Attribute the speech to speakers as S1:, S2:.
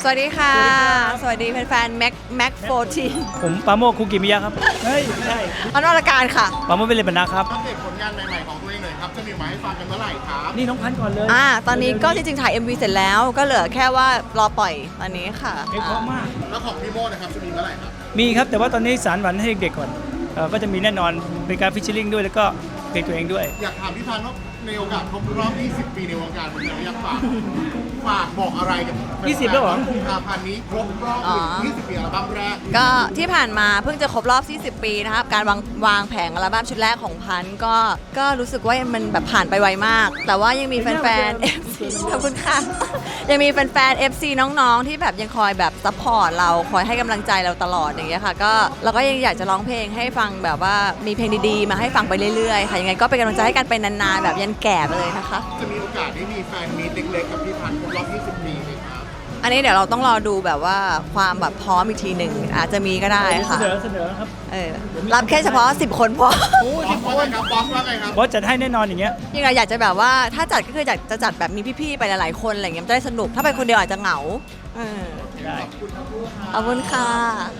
S1: วัสดีค่ะสวัสดีแฟนๆแม็ก14
S2: ผมปาโมกคุกิมิยะครับเฮ้ยใช่
S1: อนุรการค่ะ
S2: ปาโมกเป็นเลบานะครับ
S3: อัปเดตผลงานใหม่ๆของตัวเองหน่อยครับ จะมีมาให้ฟังกันเมื่อไหร่ครับ
S2: นี่น้องพันธุ์ก่อนเลย
S1: ตอนนี้ก็จริงๆถ่าย MV เสร็จแล้วก็เหลือแค่ว่ารอปล่อยตอนนี้ค่ะ
S2: เพลงเพราะมาก
S3: แล้วของพี่โมนะครับจะมีเมื่อไหร่ครับ
S2: มีครับแต่ว่าตอนนี้สารฝันให้เด็กๆก่อนก็จะมีแน่นอนเป็นการฟิชเชอริงด้วยแล้วก็เพลงตัวเองด้วย
S3: อยากถามพี่พันธ์ว่าในโอกาสครบรอบ 20 ปีในวงการบันเทิงอยากฝากบอกอะไรกับ
S2: 20แล้วเหรอ
S3: กุมภาพันธ์นี้ครบรอบ 20 ปีอัลบั้มแรก
S1: ก็ที่ผ่านมาเพิ่งจะครบรอบ 40 ปีนะครับการวางแผงอัลบั้มชุดแรกของพันธุ์ก็รู้สึกว่ามันแบบผ่านไปไวมาก แต่ว่ายังมีแฟนๆ FC ขอบคุณค่ะ ยังมีแฟนๆ FC น้องๆ ที่แบบยังคอยแบบซัพพอร์ตเราคอยให้กำลังใจเราตลอดอย่างเงี้ยค่ะก็เราก็ยังอยากจะร้องเพลงให้ฟังแบบว่ามีเพลงดีๆ มาให้ฟังไปเรื่อยๆค่ะยังไงก็เป็นกำลังใจให้กันไปนานๆแบบยันแก่ไปเลยนะคะ
S3: จะมีโอกาสได้มีแฟนมีตเล็กๆกับพี่พันธ์ครบรอบ 20 ปีไหมครับ
S1: อันนี้เดี๋ยวเราต้องรอดูแบบว่าความแบบพร้อมอีกทีหนึ่งอาจจะมีก็ได้ค่ะ
S2: เสนอครับ
S1: รับแค่เฉพาะ10 คนพอ
S3: บอสว่าไงครับบอสว่าไงครับ
S2: บอสจัดให้แน่นอนอย่างเงี้ย
S1: จริงๆเราอยากจะแบบว่าถ้าจัดก็คืออยากจะจัดแบบมีพี่ๆไปหลายๆคนอะไรเงี้ยมันจะได้สนุกถ้าไปคนเดียวอาจจะเหงา
S2: ได้
S1: ขอบคุณค่ะ